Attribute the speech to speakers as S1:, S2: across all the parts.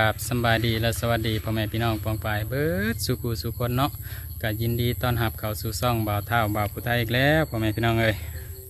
S1: บสำบายดีและสวัสดีพ่อแม่พี่น้องปองปายเบิดสุกูสุคนเนาะก็ยินดีต้อนรับเข้าสู่ซ่องบ่าวเท่าบ่าวผู้ไทยอีกแล้วพ่อแม่พี่น้องเอ้ย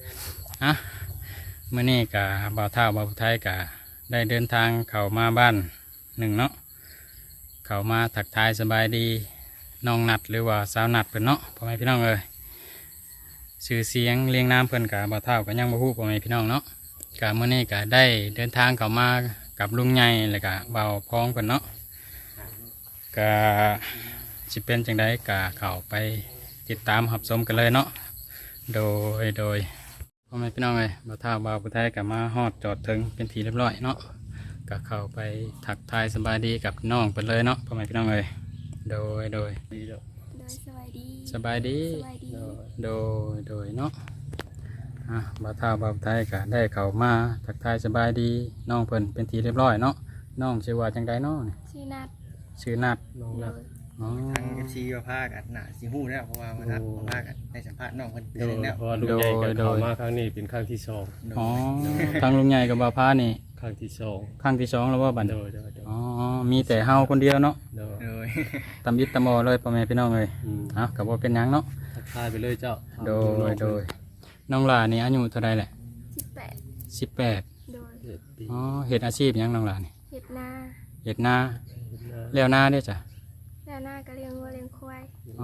S1: เมื่อนี้กะบ่าวเท่าบ่าวผู้ไทยกะได้เดินทางเข้ามาบ้านหนึ่งเนาะเข้ามาทักทายสบายดีน้องนัดหรือว่าสาวนัดเพิ่นเนาะพ่อแม่พี่น้องเอ้ยชื่อเสียงเรียงนามเพิ่นกะบ่าวเท่าก็ยังบ่ฮู้พ่อแม่พี่น้องเนาะกะเมื่อนี้กะได้เดินทางเข้ามากับลุงใหญ่แล้วก็เบาพ้องกันเนาะก็สิเป็นจังไดก็เข้าไปติดตามรับชมกันเลยเนาะโดยพ่อแม่พี่น้องเอ้ยบ่าวเฒ่าบ่าวผู้ไทยก็มาฮอดจอดถึงเป็นที่เรียบร้อยเนาะก็เข้าไปทักทายสบายดีกับน้องเพิ่นเลยเนาะพ่อแม่พี่น้องเอ้ยโดย
S2: โดย
S1: สบายดีโดยเนาะบ่าวเฒ่าบ่าวผู้ไทยก็ได้เข้ามาทักทายสบายดีน้องเพิ่นเป็นที่เรียบร้อยเนาะน้องชื่อว่าจังไดเนาะ
S3: ชื่อนัด
S2: น้องนัดทางเอฟซีก็พากันหนาสิหู้แล้วเพราะว่ามาทักพากันในสัมภาษณ์น้องคนเดียวแล้ว
S4: เพราะว่าลุงใหญ่กับเขามาครั้งนี้เป็นครั้งที่สอง
S1: ทางลุงใหญ่กับบ่าวพานี่
S4: ครั้งที่สอง
S1: แล้วว่าบัด
S4: โดย
S1: มีแต่เฮาคนเดียวเนาะ
S4: โดย
S1: ตำยิดตำมอเลยพ่อแม่พี่น้องเลยกับว่าเป็นหยังเนาะ
S4: ทักทายไปเลยเจ้า
S1: โดยน้องหลานี่อายุเท่าไรแหละ18
S3: โดย
S1: เฮ็ดอาชีพหยังน้องหลานี่
S3: เห็ดนา
S1: แล้วนาเด้อจ้ะ
S3: แล้วนาก็เลี้ยงวัวเลี้ยงควาย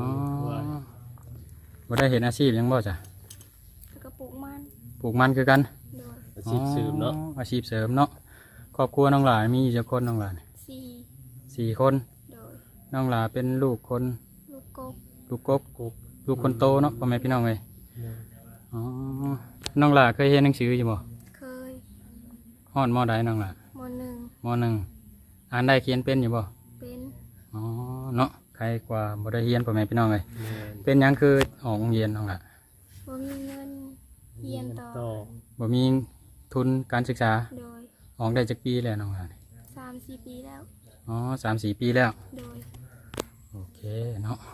S1: บ่ได้เฮ็ดอาชีพหยังบ่จ้ะ
S3: แล้วก็ปลูก
S1: มันคือกัน
S3: โดย
S4: อาชีพเสริมเนาะ
S1: อาชีพเสริมเนาะครอบครัวน้องหลามีกี่คนน้องหลาสี่คน
S3: โดย
S1: น้องหลาเป็นลูกคน
S3: ลูกกบ
S1: ลูกคนโตเนาะพ่อแม่พี่น้องเลยน้องหลาเคยเรียนหนังสืออยู่บ่
S3: เคย
S1: ฮอดม.ใดน้องหลาม.1อ่านได้เขียนเป็นอยู่บ่
S3: เป็น
S1: เนาะใครกว่าบ่ได้เรียนพ่อแม่พี่น้องเลยเป็นหยังคือออกโรงเรียนน้องหลา
S3: บ่มีเงินเรียนต่อ
S1: บ่มีทุนการศึกษา
S3: โดย
S1: ออกได้จักปีแล้วน้องหลา
S3: 3-4 ปีแล้ว
S1: 3-4 ปีแล้ว
S3: โดย
S1: โอเคเนาะ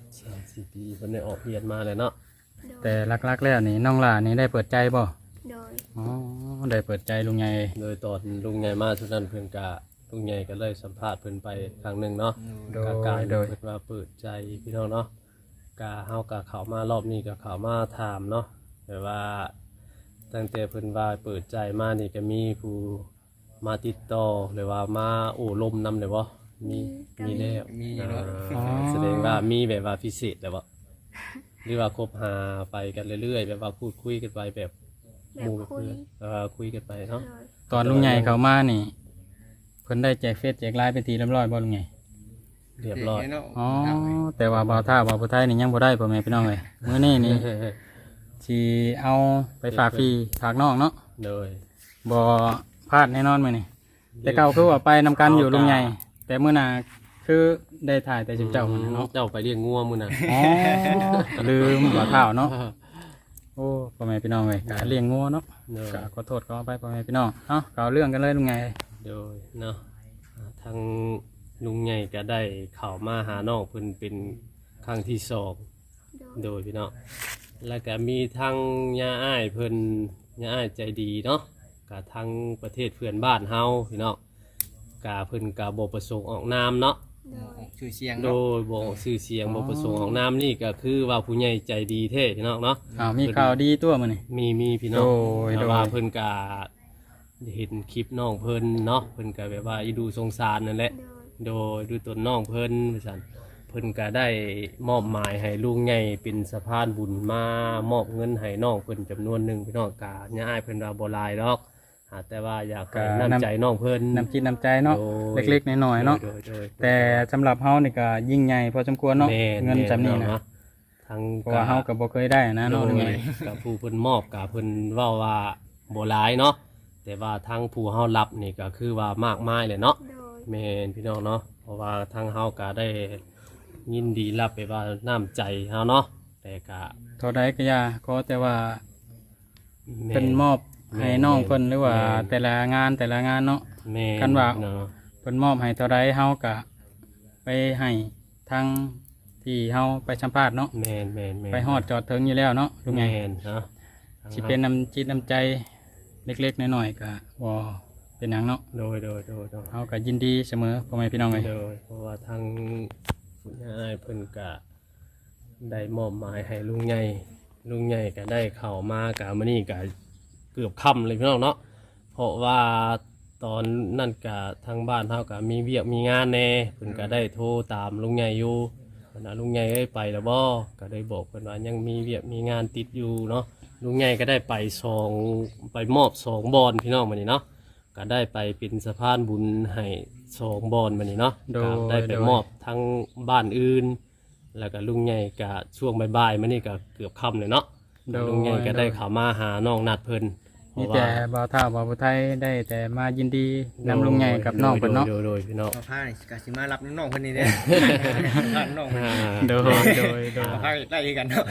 S4: 3-4 ปีเพิ่นได้ออกเรียนมาเลยเนาะ
S1: แต่ลักๆแล้วนี่น้องหลานี่ได้เปิดใจบ่
S3: โดย
S1: ได้เปิดใจลุงใหญ่
S4: โดยตอนลุงใหญ่มาทุกนั้นเพิ่นกะลุงใหญ่ก็เลยสัมภาษณ์เพิ่นไปครั้งหนึ่งเนาะโดยเพิ่นว่าเปิดใจพี่น้องเนาะกะเฮากะเข้ามารอบนี้ก็เข้ามาถามเนาะแต่ว่าตั้งแต่เพิ่นว่าเปิดใจมานี่ก็มีผู้มาติดต่อหรือว่ามาโอ้ลมนำเลยบ่มีแล้วแสดงว่ามีแบบว่าพิเศษแล้วบ่หรือว่าคบหาไปกันเรื่อยๆแบบว่าพูดคุยกันไปแบบหมู่เพื่อนคุยกันไปเนาะ
S1: ตอนลุงใหญ่เขามานี่เพิ่นได้แจกเฟซแจกไลน์เป็นทีเรียบร้อยบ่ลุงใหญ่
S4: เรียบร้อย
S1: แต่ว่าบ่าวท่าบ่าวผู้ไทยนี่ยังบ่ได้พ่อแม่พี่น้องเลยมื้อนี้นี่สิเอาไปฝากพี่ฝากน้องเนาะ
S4: โดย
S1: บ่พลาดแน่นอนมื้อนี้แต่เก่าคือว่าไปนำกันอยู่ลุงใหญ่แต่มื้อหน้าคือได้ถ่ายแต่เจ้าเนาะ
S4: เจ้าไปเลี้ยงงัวมื้อน่ะ
S1: ลืมบ่าวท่าเนาะโอ้พ่อแม่พี่น้องเลยกะเลี้ยงงัวเนาะกะขอโทษขอไปพ่อแม่พี่น้องก็เรื่องกันเลยลุงใหญ่
S4: โดยเนาะทางลุงใหญ่ก็ได้เข้ามาหาน้องเพิ่นเป็นครั้งที่สองโดยพี่น้องแล้วก็มีทางย่าอ้ายเพิ่นย่าอ้ายใจดีเนาะกับทางประเทศเพื่อนบ้านเฮาพี่น้องกะเพิ่นกะบ่ประสงค์ออกนามเนาะ
S2: ชื่อเสียง
S4: โดยบ่ชื่อเสียงบ่ประสงค์ออกนามนี่ก็คือว่าผู้ใหญ่ใจดีแท้พี่น้องเนาะ
S1: มีข่าวดีตัวมื้อนี้
S4: มีพี่น้องแต่ว่าเพิ่นกะเห็นคลิปน้องเพิ่นเนาะเพิ่นก็แบบว่าอีดูสงสารนั่นแหละโดยดูตัวน้องเพิ่นว่าซั่นเพิ่นก็ได้มอบหมายให้ลุงใหญ่เป็นสะพานบุญมามอบเงินให้น้องเพิ่นจำนวนหนึ่งพี่น้องกะย่าอ้ายเพิ่นว่าบ่หลายดอกแต่ว่าอยากให้น้ำใจน้องเพิ่น
S1: น้ำจิตน้ำใจเนาะเล็กๆน้อยๆเนาะแต่สำหรับเฮานี่ก็ยิ่งใหญ่พอสมควรเนาะเงินจำนี้นะ
S4: ทั้ง
S1: เพราะว่าเฮาก็บ่เคยได้นะเนาะลุงใหญ่
S4: กับผู้เพิ่นมอบกับเพิ่นเว้าว่าบ่หลายเนาะแต่ว่าทางผู้เฮารับนี่ก็คือว่ามากมายเลยเนาะแม่นพี่น้องเนาะเพราะว่าทางเฮาก็ได้ยินดีรับไปว่าน้ำใจเฮาเนาะแต่ก็
S1: เท่าใดก็อย่าขอแต่ว่าเป็นมอบให้น้องเพิ่นหรือว่าแต่ละงานเนาะกันว่าเพิ่นมอบให้เท่าใดเฮาก็ไปให้ทางที่เฮาไปสัมภาษณ์เนาะ
S4: แม่น
S1: ไปฮอดจอดถึงอยู่แล้วเนาะลุงใหญ่
S4: เนาะ
S1: สิเป็นน้ำจิตน้ำใจเล็กๆน้อยๆก็บ่เป็เป็นหยังเนาะ
S4: โดย
S1: เฮาก็ยินดีเสมอพ่อแม่พี่น้องเอ้ย
S4: โดยเพราะว่าทางผู้ใหญ่เพิ่นก็ได้มอบหมายให้ลุงใหญ่ก็ได้เข้ามากะมื้อนี้ก็เกือบค่ำเลยพี่น้องเนาะเพราะว่าตอนนั่นก็ทางบ้านเฮาก็มีเวียกมีงานแน่เพิ่นก็ได้โทรตามลุงใหญ่อยู่เพิ่นว่าลุงใหญ่เอ้ยไปแล้วบ่ก็ได้บอกเพิ่นว่ายังมีเวียกมีงานติดอยู่เนาะลุงใหญ่ก็ได้ไปมอบสองบอนพี่น้องมื้อนี้เนาะก็ได้ไปเป็นสะพานบุญให้สองบอนมื้อนี้เนาะก็ได้ไปมอบทั้งบ้านอื่น แล้วก็ลุงใหญ่ก็ช่วงบ่ายๆมื้อนี้ก็เกือบค่ำเลยเนาะลุงใหญ่ก็ได้เข้ามาหาน้องนัดเพิ่น
S1: มีแต่บ่าวเฒ่าบ่าวผู้ไทยได้แต่มายินดีนำลุงใหญ่กับน้องเพิ่นเนาะ
S4: โดยพี่น้อง
S2: บ่าวผ้านี่ก็สิมารับน้องๆเพิ่นนี่เด้รับน้องเพิ่น
S1: โดย
S2: บ่าวผ้าไล่กันเนาะ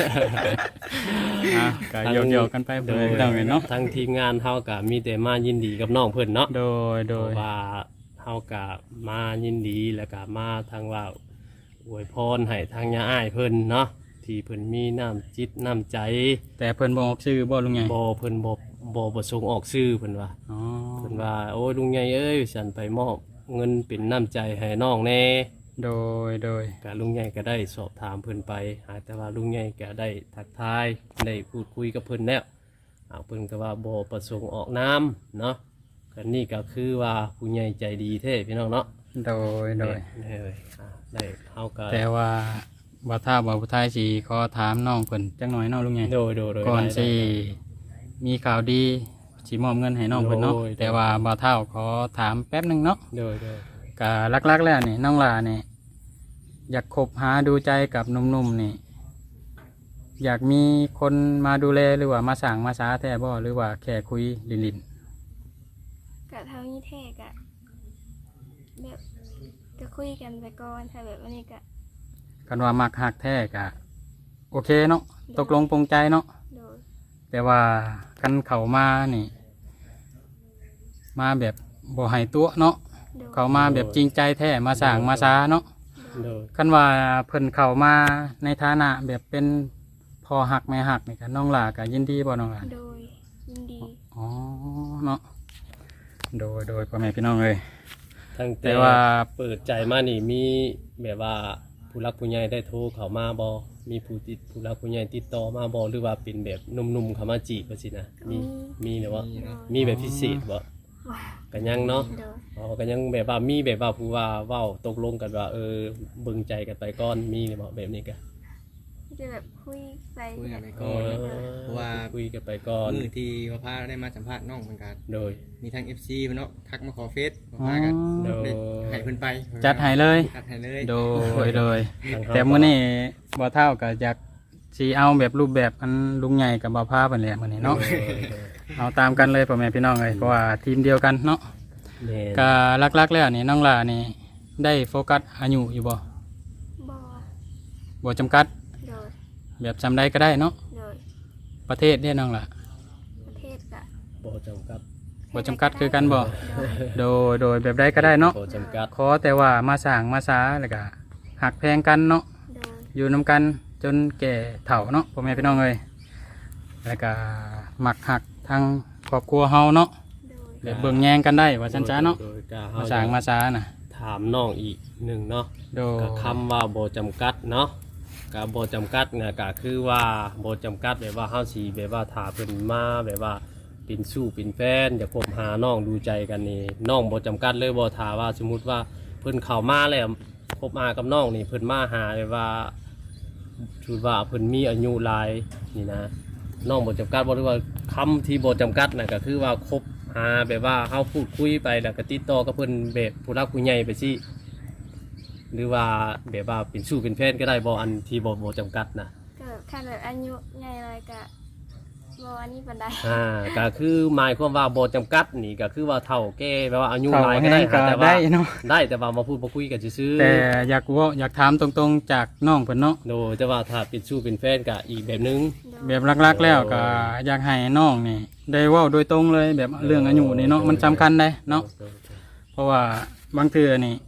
S1: ก็โยกๆกันไปเพิ่นพี่น้องเอ้ยเนาะ
S4: ทั้งทีมงานเฮาก็มีแต่มายินดีกับน้องเพิ่นเนาะ
S1: โดย
S4: เพราะว่าเฮาก็มายินดีแล้วก็มาทางว่าอวยพรให้ทางย่าอ้ายเพิ่นเนาะที่เพิ่นมีน้ำจิตน้ำใจ
S1: แต่เพิ่นบ่ออกชื่อบ่ลุงใหญ่
S4: บ่เพิ่นบ่ประสงค์ออกชื่อเพิ่นว่า
S1: อ๋อ
S4: เพิ่นว่าโอ้ยลุงใหญ่เอ้ยฉันไปมอบเงินเป็นน้ำใจให้น้องแน่
S1: โดย
S4: ก็ลุงใหญ่ก็ได้สอบถามเพิ่นไปแต่ว่าลุงใหญ่ก็ได้ทักทายได้พูดคุยกับเพิ่นแล้วเพิ่นก็ว่าบ่ประสงค์ออกน้ำเนาะก็นี่ก็คือว่าผู้ใหญ่ใจดีแท้พี่น้องเนาะ
S1: โดย
S4: ได้เฮาก็
S1: แต่ว่าบ่าวเฒ่าบ่าวผู้ไทยสิขอถามน้องเพิ่นจักหน่อยเนาะลุงใหญ่
S4: โดย
S1: ก่อน
S4: ได้
S1: สิมีข่าวดีสิมอบเงินให้น้องเพิ่นเนาะ
S4: โดย
S1: แต่ว่าบ่าวเฒ่าขอถามแป๊บหนึงเนาะ
S4: โดย
S1: ก็หลักๆแล้วนี่น้องหลานี่อยากคบหาดูใจกับหนุ่มๆนี่อยากมีคนมาดูแลหรือว่ามาสั่งมาสาแท้บ่หรือว่าแค่คุยลิน
S3: กะเท่านี้แท้กะแบบก็คุยกันไปก่อนถ้าแบบวันนี้กะ
S1: ๆกันว่ามักหักแท้ก็โอเคเนาะตกลงปรงใจเนาะ
S3: โดย
S1: แต่ว่ากันเข้ามานี่ มาแบบบ่ให้ตัวเนาะ
S3: โดย
S1: เข้ามาแบบจริงใจแท้มาสั่งมาสาเนาะ
S4: โดย
S1: คันว่าเพิ่นเข้ามาในฐานะแบบเป็นพ่อหักแม่หักนี่ก็น้องหลาก็ยินดีบ่น้องหลา
S3: โดยยินดี
S1: อ๋อเนาะโดยพ่อแม่พี่น้องเลย
S4: ทั้ง
S1: แต่ว่า
S4: เปิดใจมานี่มีแบบว่าผู้รักผู้ใหญ่ได้โทรเข้ามาบ่มีผู้รักผู้ใหญ่ติดต่อมาบ่หรือว่าเป็นแบบหนุ่มๆเข้ามาจีบว่าสินะมีหรือว่ามีแบบพิเศษบ่
S3: ว้า
S4: ก็ยังเนาะ
S3: โดย
S4: ก็ยังแบบว่ามีแบบว่าผู้ว่าเว้าตกลงกันว่าเบิ่งใจกันไปก่อนมีหรือบ่แบบนี้ก็
S3: จะแบบคุยไป
S2: คุยกันไป
S4: เอ
S2: ก่อน
S4: อ
S2: เพราะว่า
S4: คุยกันไปก่อน
S2: มื้อที่บ่าวผ้าได้มาสัมภาษณ์น้องเหมือนกัน
S4: โดย
S2: มีทั้ง FC เพิ่นเนาะทักมาขอเฟซบ่าวผ้ากัน
S4: โดย
S2: ได้ให้เพิ่นไป
S1: จัดให้เลย
S2: จัดให้เลย
S1: โดยแต่มื้อนี้บ่เท่าก็อยากสิเอาแบบรูปแบบอันลุงใหญ่กับบ่าวพาเพิ่นแหละมื้อนี้เนาะเอาตามกันเลยพ่อแม่พี่น้องเลยเพราะว่าทีมเดียวกันเนาะ
S4: แม่น
S1: ก็หลักๆแล้วนี่น้องหลานี่ได้โฟกัสอายุอยู่บ่
S3: บ่
S1: บ่จำกัด
S3: โดย
S1: แบบจำได้ก็ได้เนาะ
S3: โดย
S1: ประเทศเด้น้องหล่ะ
S3: ประเทศกะ
S4: บ่จำกัด
S1: บ่จำกัดคือกันบ่โดยแบบใดก็ได้เนาะ
S4: บ่จำกัด
S1: ขอแต่ว่ามาสร้างมาสาแล้วก็หักแพงกันเนาะ
S3: โดย
S1: อยู่นำกันจนแก่เฒ่าเนาะพ่อแม่พี่น้องเอ้ยแล้วก็มักหักทางครอบครัวเฮาเนาะ
S3: โดย
S1: แบบเบิ่งแยงกันได้ว่าซั่นจ้าเนาะ
S4: โดยก็
S1: มาสร้างมาสาน่ะ
S4: ถามน้องอีกหนึ่งเนาะ
S1: โดย
S4: ก็คำว่าบ่จำกัดเนาะก็บ่จำกัดเนี่ยก็คือว่าบ่จำกัดแบบว่าเฮาสิแบบว่าถ้าเพิ่นมาแบบว่าเป็นสู้เป็นแฟนอยากคบหาน้องดูใจกันนี่น้องบ่จำกัดเลยบ่ถ้าว่าสมมุติว่าเพิ่นเข้ามาแล้วคบหากับน้องนี่เพิ่นมาหาแบบว่าถือว่าเพิ่นมีอายุหลายนี่นะน้องบ่จำกัดบ่หรือว่าคำที่บ่จำกัดน่ะก็คือว่าคบหาแบบว่าเฮาพูดคุยไปแล้วก็ติดต่อกับเพิ่นแบบผู้รักผู้ใหญ่ไปสิ หรือว่าแบบว่าเป็นสู้เป็นแฟนก็ได้บ่อันที่บ่จำกัดนะ
S3: ก็แบบคันแบบอายุใหญ่เลยกะบ่อันนี้ปานใด
S4: ก็คือหมายความว่าบ่จำกัดนี่ก็คือว่าเฒ่าแก่แบบว่าอายุ
S1: เฒ่า
S4: หลายก็
S1: แห้
S4: ได้
S1: งก็
S4: แต่ว่า
S1: ได้เนาะ
S4: ได้แต่ว่ามาพูดมาคุยกันซื่อ
S1: แต่อยากถามตรงๆจากน้องเพิ่นเนาะ
S4: ๆโดยแต่ว่าถ้าเป็นสู้เป็นแฟนก็อีกแบบนึง
S3: โดย
S1: แบบหลักๆแล้วก็อยากให้น้องนี่ได้เว้าโดยตรงเลยแบบเรื่องอายุนี่เนาะมันสำคัญได้เนาะเพราะว่าบางเทื่อนี่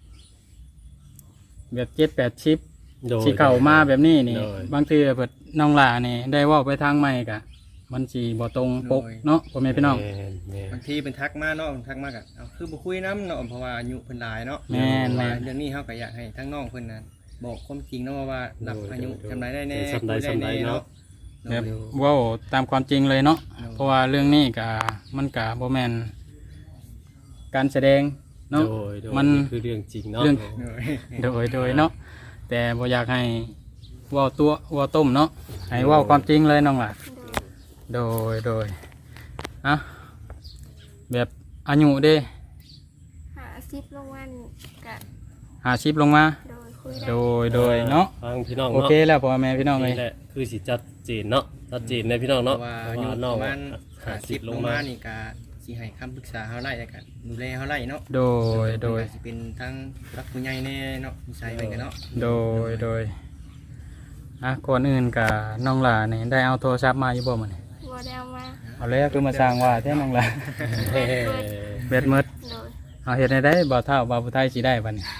S1: แบบ7-8ชิป
S4: โดย
S1: สิเข้ามาแบบนี้นี่
S4: โดย
S1: บางเทื่อเพิ่นน้องหลานี่ได้เว้าไปทางใหม่ก็มันสิบ่ตรงปกเนาะพ่อแม่พี่น้อง
S4: แม่น
S2: บางทีเป็นทักมาเนาะทักมาก็เอาคือบ่คุยน้ำเนาะเพราะว่าอายุเพิ่นหลายเนาะ
S1: แม่น
S2: ว่า
S1: แม่น
S2: เรื่องนี้เฮาก็อยากให้ทั้งน้องเพิ่นน่ะบอกความจริงเนาะว่ารับอายุจำได้แน่
S4: จำได้
S2: คุยแน่เนาะ
S1: แบบเว้าตามความจริงเลยเนาะเพราะว่าเรื่องนี้ก็มันก็บ่แม่นการแสดงเนาะ
S4: โดย
S1: มัน
S4: คือเรื่องจริงเนาะ
S1: เรื่อง
S2: โดย
S1: โดยเนาะแต่บ่อยากให้เว้าตัวเว้าต้มเนาะให้เว้าความจริงเลยน้องล่ะ
S3: โดย
S1: โดยอะแบบอายุเด้
S3: หาซิปลงวันกะ
S1: 50ลงมา
S3: โดยคุยได้
S1: โดยเนาะ
S4: ฟังพี่น้อง
S1: โอ
S4: เนาะ
S1: เคแล้วพ่อแม่พี่น้องเลย
S4: นี่แหละคือสิจัดเจนเนาะชัดเจนในพี่น้อง
S2: เพ
S4: เนาะ
S2: ราะว่า
S4: เพ
S2: อา
S4: ราะ
S2: ยุ
S4: ว่า
S2: ป
S4: น้อง
S2: ระมาณ
S4: 50
S2: 50
S4: ล
S2: ล
S4: ง
S2: ง
S4: มา
S2: มานี่ก็สิให้คำปรึกษาเฮาไล่แล้วกันดูแลเฮาไล่เนาะ
S1: โดย
S2: ก็สิเป็นทั้งรักผู้ใหญ่แน่เนาะนิสัยเพิ่นก็เนาะ
S1: โดยอ่ะก่อนอื่นกับน้องหลานี่ได้เอาโทรศัพท์มาอยู่บ่มื้อนี้
S3: บ่ได้เอามา
S1: เอาแล้วคือมาสร้างว่าแท้น้องหลา
S4: เฮ้
S1: เบ็ดหมด
S3: โดย
S1: เอาเฮ็ดให้ได้บ่เท่าบ่ผู้ไทยสิได้บัดนี้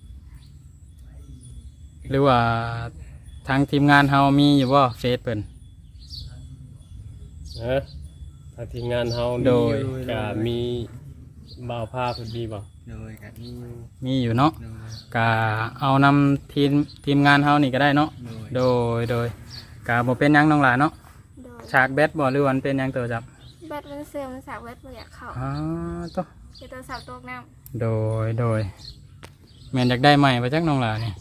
S1: หรือว่าทางทีมงานเฮามีอยู่บ่เฟซเพิ่น
S4: ทางทีมงานเฮา
S1: โดย
S4: ก็มีบ่าวผ้าเพิ่นมีบ่
S2: โดยก็มีอยู่
S1: มีอยู่เนาะ
S2: โดย
S1: ก็เอานำทีมงานเฮานี่ก็ได้เนาะ
S2: โดย
S1: โดยก็บ่เป็นหยังน้องหลาเนาะ
S3: โดย
S1: ฉากแบตบ่หรือว่ามันเป็นหยังตัวจับ
S3: แบตมันเสื่อมมันสาวแบตบ่อยากเข้า
S1: อ๋อตัว
S3: คือตัวสาวตกน้ำ
S1: โดยแม่นอยากได้ใหม่มาจากน้องหลานี่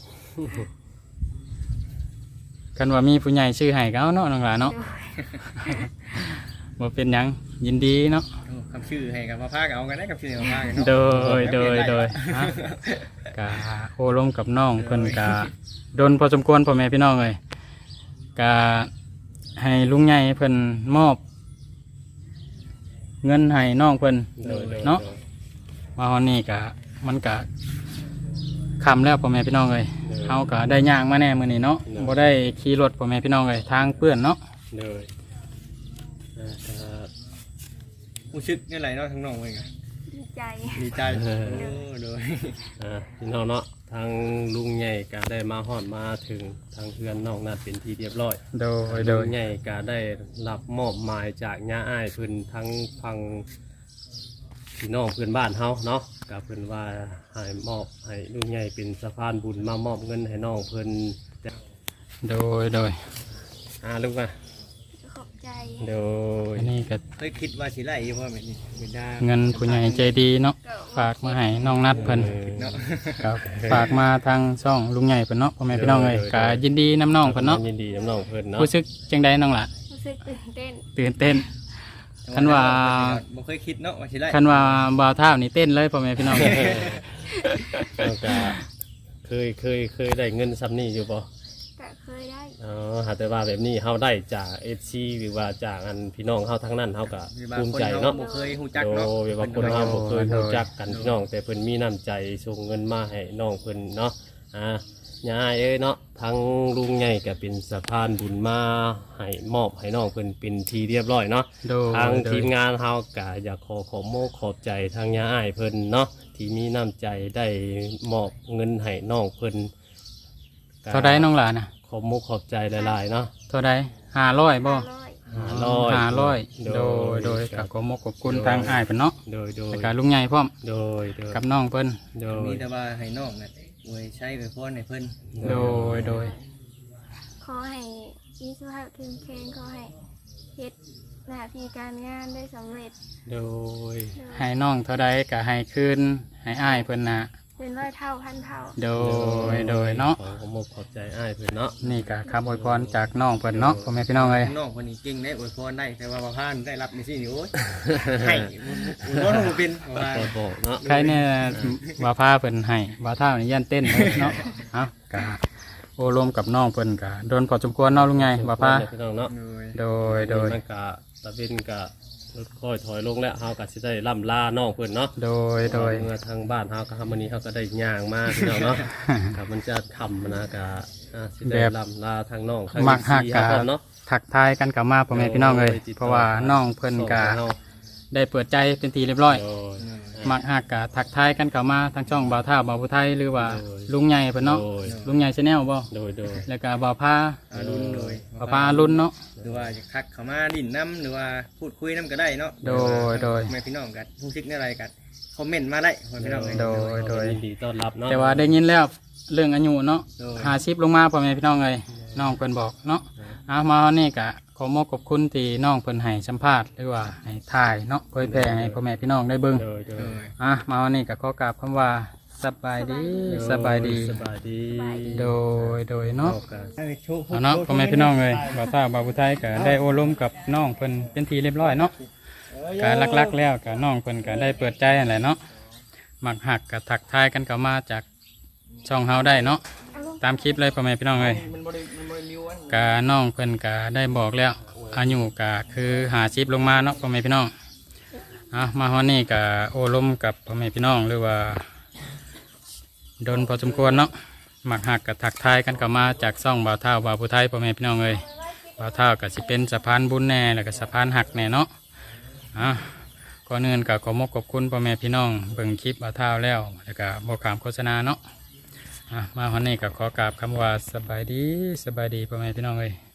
S1: กันว่ามีผู้ใหญ่ชื่อให้ก็เอาเนาะน้องหลาเนาะ
S3: โดย
S1: บ่เป็นหยังยินดีเนาะ
S2: โอ้คำชื่อให้กับมาพากเอากันได้กับชื่อมาพากันเนาะ
S1: โดยฮะกะโอลมกับน้องเพิ่นกะโดนพอสมควรพ่อแม่พี่น้องเลยกะให้ลุงใหญ่เพิ่นมอบ เงินให้น้องเพิ่น
S4: โดย
S1: เนาะ มาฮอนนี่กะมันกะคำแล้วพ่อแม่พี่น้องเลยเฮากะได้ย่างมาแน่มื้อนี้เนาะบ่ได้ขี่รถพ่อแม่พี่น้องเลยทางเปื้อนเนาะ
S4: โดยก็
S2: ผู้ชึกนี่ไรเนาะทั้งน้องเองอะ
S3: ดีใจ
S2: ดีใจโอ้โดย
S4: พี่น้องเนาะทางลุงใหญ่ก็ได้มาฮอดมาถึงทางเพื่อนน้องนัดเป็นที่เรียบร้อย
S1: โดย
S4: ลุงใหญ่ก็ได้รับมอบหมายจากญาอ้ายเพิ่นทั้งฟังพี่น้องเพื่อนบ้านเฮาเนาะก็เพิ่นว่าให้มอบให้ลุงใหญ่เป็นสะพานบุญมามอบเงินให้น้องเพิ่น
S1: โดย
S4: ลูกมา
S3: ขอบใจ
S4: โดย
S1: อันนี้ก็
S2: เคยคิดว่าสิไล่อยู่ว่าแบบนี้เป็นได้
S1: เงินผู้ใหญ่ใจดีเนาะฝากมาให้น้องนัดเพิ่น
S2: เนาะ
S1: ครับฝากมาทางช่องลุงใหญ่เพิ่นเนาะพ่อแม่พี่น้องเลยก็ยินดีน้ำน้องเพิ่นเนาะ
S4: ยินดีน้ำน้องเพิ่นเนาะ
S1: รู้สึกจังใดน้องล่ะ
S3: รู้สึกตื่นเต้น
S1: ตื่นเต้น คันว่า
S2: บ่เคยคิดเนาะว่าสิไล่
S1: คันว่าบ่าวเท่านี่เต้นเลยพ่อแม่พี่น้อง
S4: แล้วก็เคยได้เงินซ้ำนี่อยู่บ่
S3: ก็เคยได้
S4: อ๋อหาแต่ว่าแบบนี้เฮาได้จาก FC หรือว่าจากอันพี่น้องเฮาทั้งนั้นเฮาก็
S2: มีบาง
S4: ภูมิ
S2: คน
S4: ใจ
S2: เขา
S4: เนาะ
S2: บ่เคยฮู้จัก
S4: โด
S2: เนาะ
S4: ยว่าคนเฮาบ่เคยรู้จักกันพี่น้อง แต่เพิ่นมีน้ำใจส่งเงินมาให้น้องเพิ่นเนาะย่าเอ้ยเนาะทั้งลุงใหญ่ก็เป็นสะพานบุญมาให้มอบให้น้องเพิ่นเป็นทีเรียบร้อยเนาะ
S1: โดย
S4: ทาง
S1: โด
S4: ที
S1: ย
S4: มงานเฮาก็อยากขอโมขอบใจทางย่าอ้ายเพิ่นเนาะที่มีน้ำใจได้มอบเงินให้น้องเพิ่นก็
S1: เท่าใดน้องล่ะนะ
S4: ขอบโมขอบใจหลายๆเนาะ
S1: เท่าใด500บ่
S3: 500
S1: 500โดยกับขอมกขอบคุณทางอ้ายเพิ่นเนาะ
S4: โดย
S1: แล้วก็ลุงใหญ่พร้อม
S4: โดย
S1: กับน้องเพิ่น
S4: โด
S2: มี
S4: ย
S2: แต่ว่าให้น้องน่ะอวยใช้อวยพรให้เพิ่น
S1: โดย
S3: ขอให้มีสุขภาพเข้มแข็งขอให้เฮ็ดหน้าที่การงานได้สำเร็จ
S4: โดย
S1: ให้น้องเท่าใดก็ให้คืนให้อ้ายเพิ่นน่ะ
S3: เป็นร้อยเท่าพันเท่า
S1: โดยเนาะ
S4: ขอโมขอบใจอ้ายเพิ่นเนาะ
S1: นี่ก็คำอวยพรจากน้องเพิ่นเนาะพ่อแม่พี่น้องเอ้ย
S2: น้องคนนี้เก่งได้อวยพรได้แต่ว่าบ่พานได้รับนี่สินี่โอ้ยให้อวยพรบ่เป็นว่า
S4: ขอบอกเนาะ
S1: ใครเนี่ยว่าพาเพิ่นให้ว่าเท่านี่ยันเต้นเลยเนาะเอ้ากะโอ้รวมกับน้องเพิ่นกะโดนพอสมควรเนาะลุงไงว่าพา
S4: พี่น้องเนาะ
S2: โดย
S1: โดย
S4: มันกะตะเวนกะรถค่อยถอยลงแล้วเฮาก็สิได้ล่ำลาน้องเพิ่นเนาะ
S1: โดย
S4: เมื่อทางบ้านเฮาก็มื้อนี้เฮาก็ได้ย่างมาพี่น้องเนาะ กับมันจะค่ำนะกะสิได้ล่ำลาทางน้อง
S1: มักฮักกะ
S4: เนาะ
S1: ทักทายกันกลับมาพ่อแม่พี่น้องเลยเพราะว่าน้องเพิ่นกะได้เปิดใจเป็นทีเรียบร้อย
S4: โดย
S1: มักหักกะทักทายกันเข้ามาทางช่องบ่าวท่าบ่าวผู้ไทยหรือว่าลุงใหญ่เพิ่นเนาะ
S4: โดย
S1: ลุงใหญ่ชาแนลบ่
S4: โดยโดย
S1: แล้วก็บ่าวพา
S2: อารุณเลย
S1: บ่าวพารุ่นเนาะ
S2: หรือว่าจะทักเข้ามาดินน้ำหรือว่าพูดคุยน้ำก็ได้เนาะ
S1: โดย
S2: แม่พี่น้องกันผู้ชิกในอะไรกันคอมเมนต์มาได้พ่อแม่พี่น้องเลย
S1: โดย
S4: ยินดีต้อนรับเนาะ
S1: แต่ว่าได้ยินแล้วเรื่องอายุเนาะ
S2: โดย
S1: 50ลงมาพ่อแม่พี่น้องเอ้ยน้องเพิ่นบอกเนาะมาวันนี้ก็ขอมอบขอบคุณที่น้องเพิ่นให้สัมภาษณ์หรือว่าให้ถ่ายเนาะเผยแพร่ให้พ่อแม่พี่น้องได้เบิ่ง
S4: โดยโดย
S2: โดย
S1: มาวันนี้ก็ขอกราบคำว่าสบายดีสบายดี
S4: สบายดี
S1: โดยเนาะ
S4: กัน
S1: เอาเนาะพ่อแม่พี่น้องเลยบ่าวตาบ่าวผู้ไทยก็ได้โอ้ล้มกับน้องเพิ่นเป็นทีเรียบร้อยเนาะก็ลักๆแล้วก็น้องเพิ่นก็ได้เปิดใจนั่นแหละเนาะมักหักก็ทักทายกันเข้ามาจากช่องเฮาได้เนาะตามคลิปเลยพ่อแม่พี่น้องเลยก็น้องเพิ่นก็ได้บอกแล้วอายุก็คือ50ลงมาเนาะพ่อแม่พี่น้องมาฮอดนี้ก็โอ้ล้มกับพ่อแม่พี่น้องหรือว่าโดนพอสมควรเนาะมักหักกับทักทายกันเข้ามาจากซ่องบ่าวเท่าบ่าวผู้ไทยพ่อแม่พี่น้องเลยบ่าวเท่าก็สิเป็นสะพานบุญแน่แล้วก็สะพานหักแน่เนาะก่อนอื่นก็ขอมอบขอบคุณพ่อแม่พี่น้องเบิ่งคลิปบ่าวเท่าแล้วก็บ่ขามโฆษณาเนาะมาวันนี้ก็ขอกราบคำว่าสบายดีพ่อแม่พี่น้องเลย